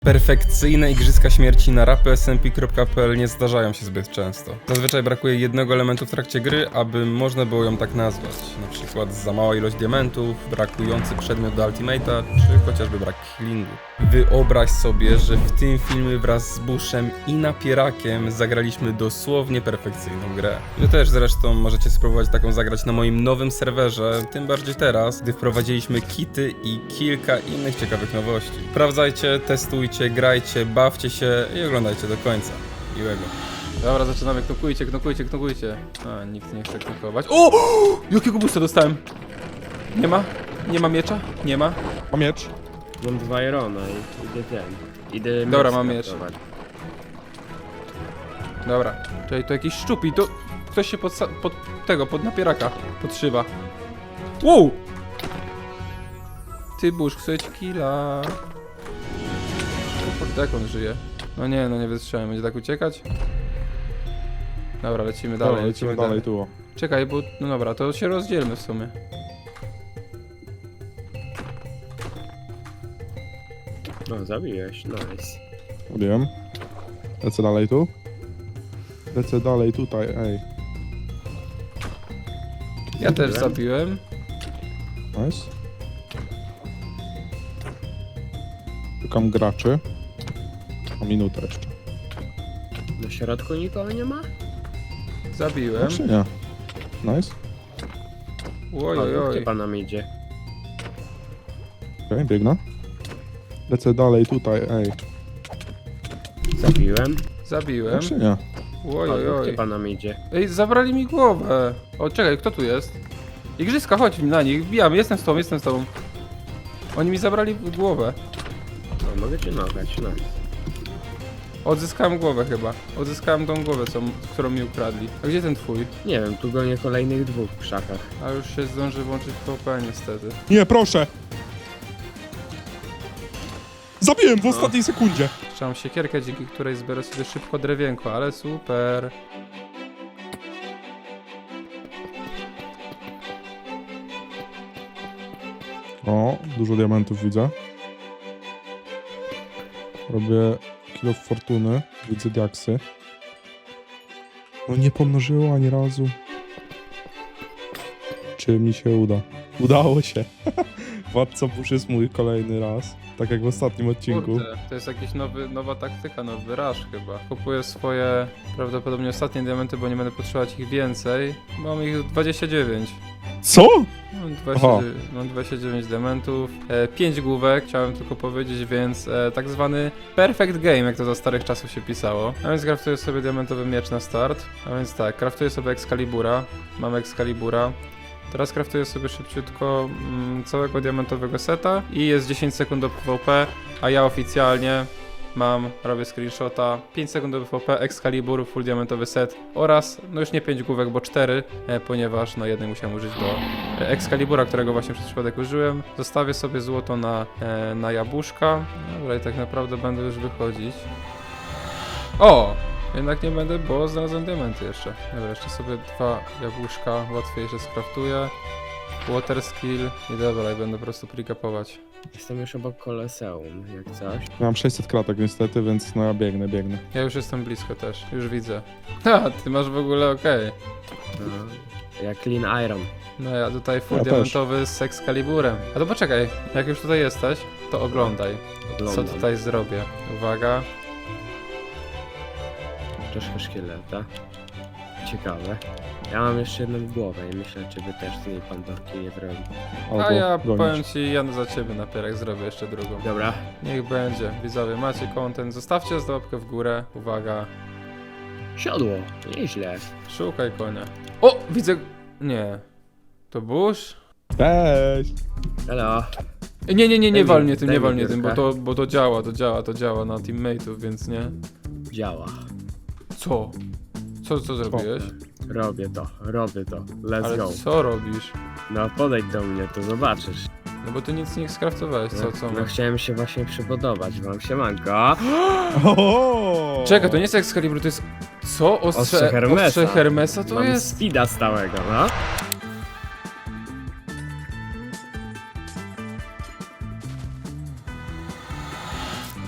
Perfekcyjne igrzyska śmierci na rapy.smp.pl nie zdarzają się zbyt często. Zazwyczaj brakuje jednego elementu w trakcie gry, aby można było ją tak nazwać. Na przykład za mała ilość diamentów, brakujący przedmiot do ultimate'a, czy chociażby brak healingu. Wyobraź sobie, że w tym filmie wraz z Bushem i Napierakiem zagraliśmy dosłownie perfekcyjną grę. Wy też zresztą możecie spróbować taką zagrać na moim nowym serwerze, tym bardziej teraz, gdy wprowadziliśmy kity i kilka innych ciekawych nowości. Sprawdzajcie, testujcie, grajcie, bawcie się i oglądajcie do końca. Miłego. Dobra, zaczynamy. Knokujcie. A, nikt nie chce knokować. O! Jakiego boosta dostałem? Nie ma? Nie ma miecza? Nie ma? Mam miecz. Mam 2 Irona i idę ten. Idę Dobra, miecz mam miecz. skraftować. Dobra. Czyli to jakiś szczupi, to ktoś się pod napieraka podszywa. Wow! Ty Bush, chcę ci killa. Jak on żyje? No nie wytrzymałem, będzie tak uciekać? Dobra, lecimy dalej, Dobra, lecimy dalej tu. Czekaj, bo no dobra, to się rozdzielmy w sumie. No, zabiłeś, nice. Wiem. Lecę dalej tu. Lecę dalej tutaj, ej. Ja też zabiłem. Nice. Szukam graczy. Mam minutę jeszcze. Na środku nikogo nie ma? Zabiłem. Czy nie? Nice. Oj. Typa nam idzie. Okej, biegnę. Lecę dalej tutaj, ej. Zabiłem. Czy nie? Oj. Typa nam idzie. Ej, zabrali mi głowę. O, czekaj, kto tu jest? Igrzyska, chodź na nich, wbijamy, jestem z tobą. Oni mi zabrali głowę. No, mogę cię nogać, no. Odzyskałem głowę chyba. Odzyskałem tą głowę, którą mi ukradli. A gdzie ten twój? Nie wiem, tu gonię kolejnych 2 w krzakach. A już się zdąży włączyć PvP niestety. Nie, proszę! Zabiłem w ostatniej sekundzie! Trzymam siekierkę, dzięki której zbiorę sobie szybko drewienko, ale super. O, dużo diamentów widzę. Robię kilo fortuny. Widzę diaksy. No nie pomnożyło ani razu. Czy mi się uda? Udało się. Władca Bush jest mój kolejny raz. Tak jak w ostatnim odcinku. Kurde, to jest jakiś nowa taktyka, nowy rush chyba. Kupuję swoje prawdopodobnie ostatnie diamenty, bo nie będę potrzebować ich więcej. Mam ich 29. Co? Mam 29 diamentów, 5 główek, chciałem tylko powiedzieć, więc tak zwany perfect game, jak to za starych czasów się pisało. A więc craftuję sobie diamentowy miecz na start. A więc tak, craftuję sobie Excalibura. Mam Excalibura. Teraz craftuję sobie szybciutko całego diamentowego seta i jest 10 sekund do PvP, a ja oficjalnie robię screenshota, 5 sekund do PvP, Excalibur, full diamentowy set oraz, no już nie 5 główek, bo 4, ponieważ no jednej musiałem użyć do Excalibura, którego właśnie przez przypadek użyłem. Zostawię sobie złoto na jabłuszka. Dobra, i tak naprawdę będę już wychodzić. O! Jednak nie będę, bo znalazłem diamenty jeszcze. Dobra, jeszcze sobie 2 jabłuszka łatwiejsze skraftuję. Water skill i dobra, i będę po prostu pre-capować. Jestem już obok Koloseum, jak coś. Mam 600 kratek niestety, więc no ja biegnę. Ja już jestem blisko też, już widzę. Ha, ty masz w ogóle okej. No, jak Clean Iron. No ja tutaj full Ja diamentowy z Excaliburem. A to poczekaj, jak już tutaj jesteś, to oglądaj. Co Oglądam. tutaj zrobię. Uwaga. Troszkę szkieleta. Ciekawe. Ja mam jeszcze jedną głowę i myślę, czy wy też z niej pandorki nie zrobi. Albo A ja gonić. powiem ci, ja za ciebie napierek zrobię jeszcze drugą. Dobra. Niech będzie. Widzowie, macie content, zostawcie łapkę w górę. Uwaga. Siodło. Nieźle. Szukaj konia. O! Widzę... Nie. To Bush? Cześć! Hello. Nie wal mnie tym, Daj nie mi wal mnie tym, piórka. bo to działa na teammateów, więc nie. Działa. Co? Co zrobiłeś? Robię to. Let's Ale go. co robisz? No podejdź do mnie, to zobaczysz. No bo ty nic nie skraftowałeś, co? No chciałem się właśnie przypodobać wam, siemanko. Oho! Czekaj, to nie jest Excalibur, to jest... Co? Ostrze Hermesa. Ostrze Hermesa to Mam jest? speeda stałego, no.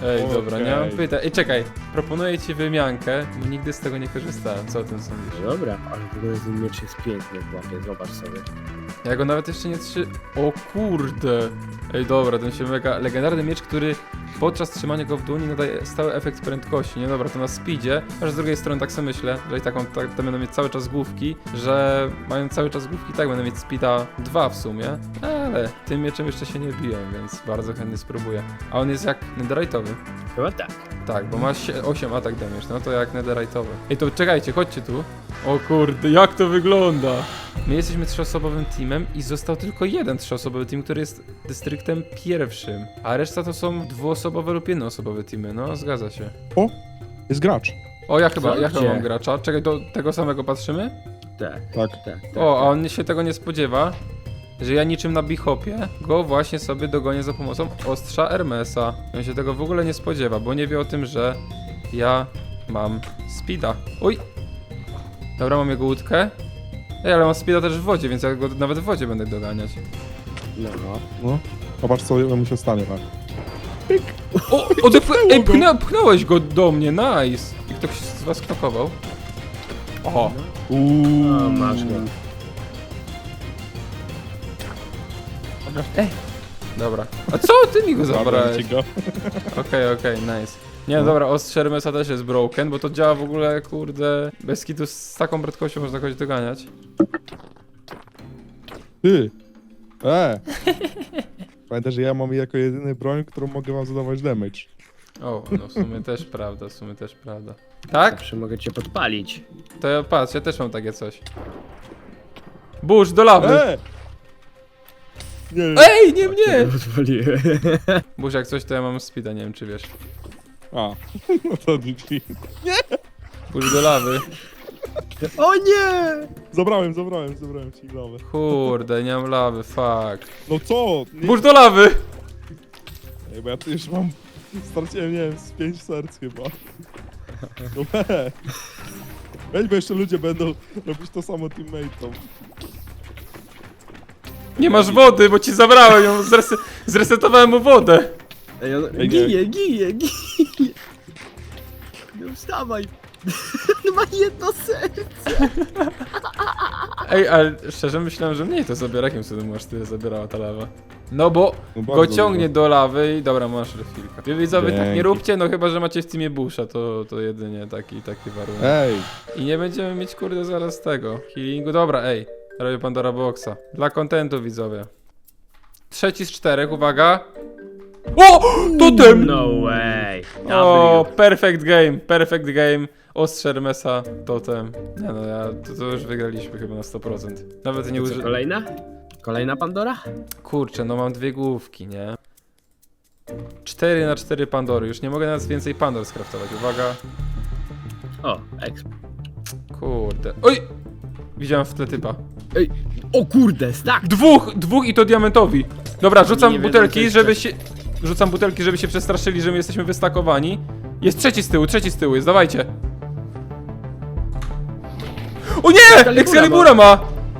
Ej, dobra, nie mam Okej. pytań. Ej, czekaj, proponuję ci wymiankę, bo nigdy z tego nie korzystałem. Co o tym sądzisz? Dobra, ale w ogóle ten miecz jest piękny w łapie, zobacz sobie. Ja go nawet jeszcze nie O kurde! Ej, dobra, ten się mega... Legendarny miecz, który podczas trzymania go w dłoni nadaje stały efekt prędkości. Nie, dobra, to na speedzie. Aż z drugiej strony tak sobie myślę, że i taką, tak, będą mieć cały czas główki, że mając cały czas główki, tak będę mieć speeda 2 w sumie. Ale tym mieczem jeszcze się nie biję, więc bardzo chętnie spróbuję. A on jest jak netherite'owy. Chyba tak. Tak, bo ma 8 atak damage, no to jak netherite'owy. Ej, to czekajcie, chodźcie tu. O kurde, jak to wygląda? My jesteśmy 3-osobowym teamem i został tylko jeden 3-osobowy team, który jest dystryktem pierwszym. A reszta to są 2-osobowe lub 1-osobowe teamy, no zgadza się. O, jest gracz. O, ja Co? chyba Gdzie? mam gracza. Czekaj, do tego samego patrzymy? Tak, Tak. tak. O, a on się tego nie spodziewa, że ja niczym na Bishopie go właśnie sobie dogonię za pomocą ostrza Hermesa. On się tego w ogóle nie spodziewa, bo nie wie o tym, że ja mam speeda. Oj! Dobra, mam jego łódkę. Ej, ale mam speeda też w wodzie, więc ja go nawet w wodzie będę doganiać. No. No. Zobacz, co mu się stanie, tak. O! Ej, pchnąłeś go do mnie, nice! I ktoś z was knokował? O! O, masz go. Dobra. A co ty mi go Zabrałem zabrałeś? ci go. Okej, nice. Nie, no dobra, ostrze Hermesa też jest broken, bo to działa w ogóle, kurde, bez kitu z taką prędkością można kogoś doganiać. Ty! Pamiętaj, że ja mam jako jedyny broń, którą mogę wam zadawać damage. O, no w sumie też prawda, w sumie też prawda. Tak? Zawsze mogę cię podpalić. To ja patrz, ja też mam takie coś. Burz, do lawy! Nie, Ej, nie mnie! Cię podpaliłem. Burz, jak coś, to ja mam speeda, nie wiem czy wiesz. A, no to GG. Burz do lawy. O nie! Zabrałem ci lawę. Kurde, nie mam lawy, fuck. No co? Nie, Burz do lawy! Ej, bo ja tu już mam... Straciłem, nie wiem, z 5 serc chyba. No weź, bo jeszcze ludzie będą robić to samo teammate'om. Nie masz wody, bo ci zabrałem ją, zresetowałem mu wodę. Ej, on Ej, nie. ginie. No wstawaj. On ma jedno serce. Ej, ale szczerze myślałem, że mniej to zabiera, jakim cudem masz tyle zabierała ta lawa. No bo No go bardzo ciągnie dużo. do lawy i dobra, masz refilka. Wy widzowie tak nie Dzięki. róbcie, no chyba, że macie w teamie Busha, to jedynie taki warunek. Ej, I nie będziemy mieć kurde zaraz tego healingu. Dobra, ej, robię Pandora Boxa. Dla kontentu widzowie. 3 z 4, uwaga. O! Totem! No way. O, perfect game. Ostrze Hermesa, totem. Nie no, to już wygraliśmy chyba na 100%. Nawet nie Co, użyłem. kolejna? Kolejna Pandora? Kurczę, no mam 2 główki, nie? 4 na 4 Pandory, już nie mogę nawet więcej Pandor skraftować, uwaga. O, exp. Kurde. Oj! Widziałem w tle typa. Ej, o kurde, stack! Dwóch i to diamentowi. Dobra, rzucam Nie wiedzą, butelki, co jest żeby się... Rzucam butelki, żeby się przestraszyli, że my jesteśmy wystakowani. Jest trzeci z tyłu jest, dawajcie. O nie! Excalibura ma!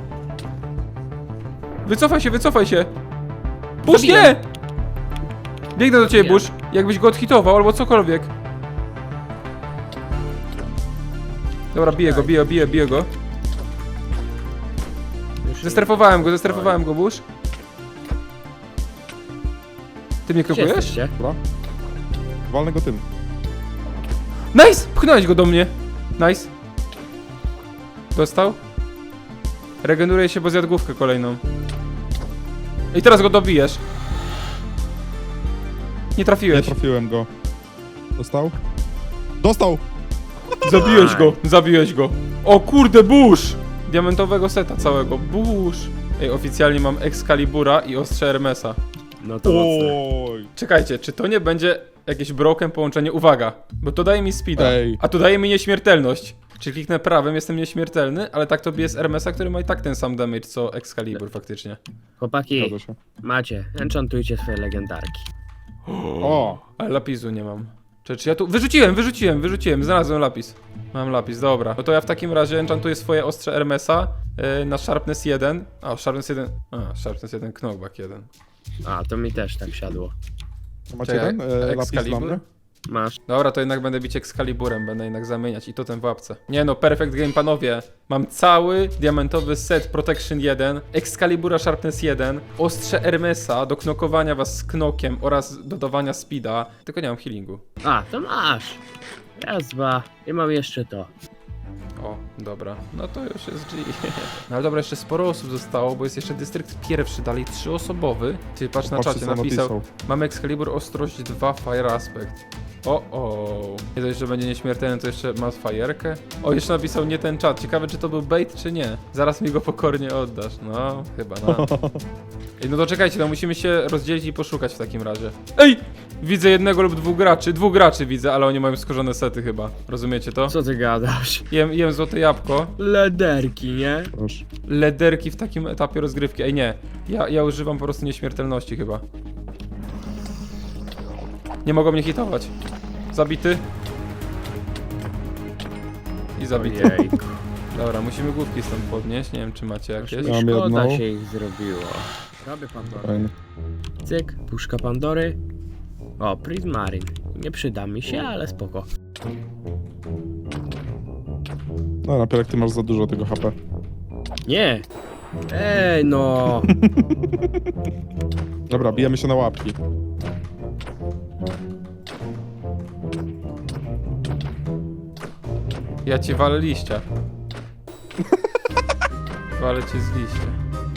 Wycofaj się. Bush, nie! Biegnę do ciebie, Bush. Jakbyś go odhitował, albo cokolwiek. Dobra, biję go. Zestrefowałem go, Bush. Ty mnie Gdzie krokujesz? jesteście? dobra. Walnę go tym. Nice! Pchnąłeś go do mnie. Nice. Dostał? Regeneruje się, bo zjadł główkę kolejną. I teraz go dobijesz. Nie Nie trafiłeś. trafiłem go. Dostał? Dostał! Zabiłeś go. O kurde, Bush! Diamentowego seta całego. Bush! Ej, oficjalnie mam Excalibura i ostrze Hermesa. No to mocne. Oj! Czekajcie, czy to nie będzie jakieś broken połączenie? Uwaga, bo to daje mi speeda, Ej. a to daje mi nieśmiertelność. Czy kliknę prawym, jestem nieśmiertelny, ale tak to bije z Hermesa, który ma i tak ten sam damage co Excalibur faktycznie. Chłopaki, Zgadza się. macie, enchantujcie swoje legendarki. O! Ale lapisu nie mam. Czy ja tu... Wyrzuciłem, znalazłem lapis. Mam lapis, dobra. No to ja w takim razie enchantuję swoje ostrze Hermesa na Sharpness 1. Sharpness 1 knockback 1. A, to mi też tak siadło. Macie Czekaj, ten lapis dla Excalibur? mnie? Masz. Dobra, to jednak będę bić Excaliburem, będę jednak zamieniać i to ten w łapce. Nie no, perfect game, panowie. Mam cały diamentowy set Protection 1, Excalibura Sharpness 1, ostrze Hermesa do knokowania was z knokiem oraz dodawania speeda, tylko nie mam healingu. A, to masz. Raz, dwa. I mam jeszcze to. O, dobra, no to już jest G. No ale dobra, jeszcze sporo osób zostało, bo jest jeszcze dystrykt pierwszy, dalej 3-osobowy. Ty patrz na Patrzcie, czacie, co napisał, mamy Excalibur Ostrość 2 Fire Aspect. O. Nie dość, że będzie nieśmiertelny, to jeszcze ma fajerkę. O, jeszcze napisał nie ten czat. Ciekawe, czy to był bait, czy nie. Zaraz mi go pokornie oddasz. No, chyba no. Ej, no to czekajcie, to musimy się rozdzielić i poszukać w takim razie. Ej! Widzę jednego lub dwóch graczy widzę, ale oni mają skorzone sety chyba. Rozumiecie to? Co ty gadasz? Jem złote jabłko. Lederki, nie? Proszę. Lederki w takim etapie rozgrywki. Ej, nie. Ja używam po prostu nieśmiertelności chyba. Nie mogą mnie hitować. Zabity. I zabity. Ojejku. Dobra, musimy główki stąd podnieść. Nie wiem, czy macie jakieś. Aż mi Mam szkoda jedną. się ich zrobiło. Robię Pandorę. Fajnie. Cyk, puszka Pandory. O, Prismarin. Nie przyda mi się, ale spoko. No, Napierek, ty masz za dużo tego HP. Nie! Ej, no! Dobra, bijemy się na łapki. Ja ci walę liścia. Walę ci z liścia.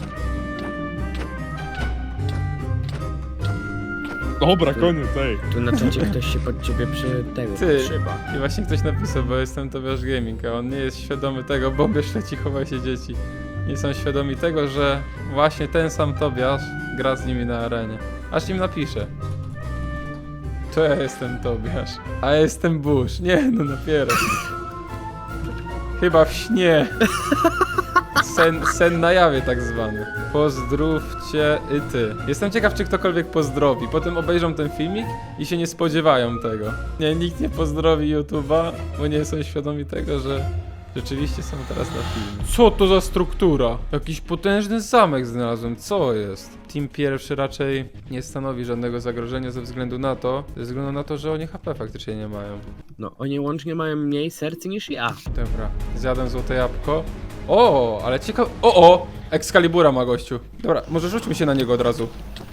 Dobra, koniec, ej. Tu na czacie ktoś się pod ciebie Ty. przyba. I właśnie ktoś napisał, bo jestem Tobiasz Gaming, a on nie jest świadomy tego, bo leci, chowaj się dzieci. Nie są świadomi tego, że właśnie ten sam Tobiasz gra z nimi na arenie. Aż im napiszę. To ja jestem Tobiasz, a ja jestem Bush. Nie, no napierę. Chyba w śnie. Sen na jawie tak zwany. Pozdrówcie i ty. Jestem ciekaw, czy ktokolwiek pozdrowi. Potem obejrzą ten filmik i się nie spodziewają tego. Nie, nikt nie pozdrowi YouTube'a, bo nie są świadomi tego, że rzeczywiście są teraz na filmie. Co to za struktura? Jakiś potężny zamek znalazłem. Co jest? Team pierwszy raczej nie stanowi żadnego zagrożenia ze względu na to, że oni HP faktycznie nie mają. No, oni łącznie mają mniej serc niż ja. Dobra, zjadłem złote jabłko. O, ale ciekawe. O! Excalibura ma gościu. Dobra, może rzućmy się na niego od razu.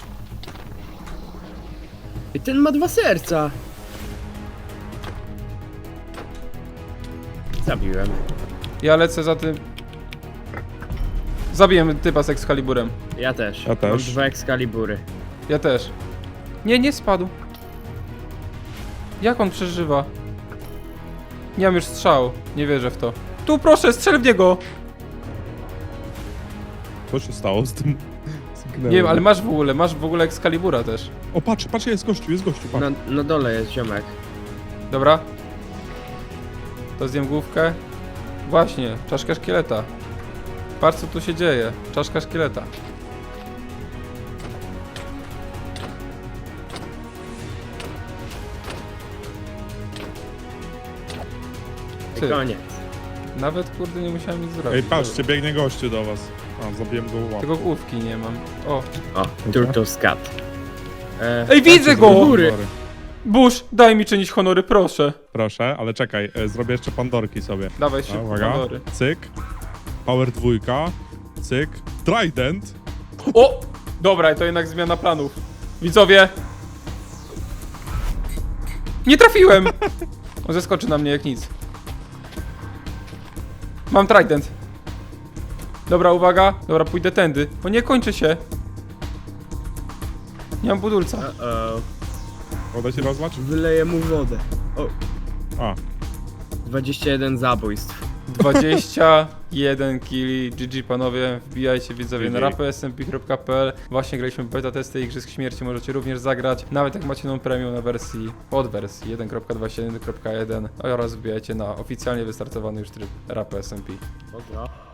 I ten ma 2 serca. Zabiłem. Ja lecę za tym. Zabiję typa z Excaliburem. Ja też. Ja też. Mam 2 Excalibury. Ja też. Nie spadł. Jak on przeżywa? Nie mam już strzału. Nie wierzę w to. Tu proszę, strzel w niego! Co się stało z tym? Zginęło. Nie wiem, ale masz w ogóle Excalibura też. O, patrz, jest gościu, patrz. Na dole jest ziomek. Dobra. To zjem główkę. Właśnie, czaszka szkieleta. Patrz co tu się dzieje. Czaszka szkieleta. I Ty, koniec. nawet kurde nie musiałem nic zrobić. Ej, patrzcie, biegnie gościu do was. A, zabiłem go łapkę. Tylko główki nie mam. O. O, Turtle's Cat. Ej, widzę go! góry. Bush, daj mi czynić honory, proszę. Proszę, ale czekaj, zrobię jeszcze pandorki sobie. Dawaj A, szybko uwaga, honory. cyk. Power 2, cyk. Trident. O! Dobra, to jednak zmiana planów. Widzowie! Nie trafiłem! On zeskoczy na mnie jak nic. Mam trident. Dobra, uwaga. Dobra, pójdę tędy. O nie, kończy się. Nie mam budulca. Uh-oh. Woda się rozlać? Wyleję mu wodę. O, A, 21 zabójstw. 21 killi. GG panowie. Wbijajcie widzowie na GG. rapsmp.pl. Właśnie graliśmy beta testy Igrzysk Śmierci. Możecie również zagrać. Nawet jak macie premium na wersji pod wersji 1.21.1 oraz wbijajcie na oficjalnie wystartowany już tryb RapSMP. Pozdro.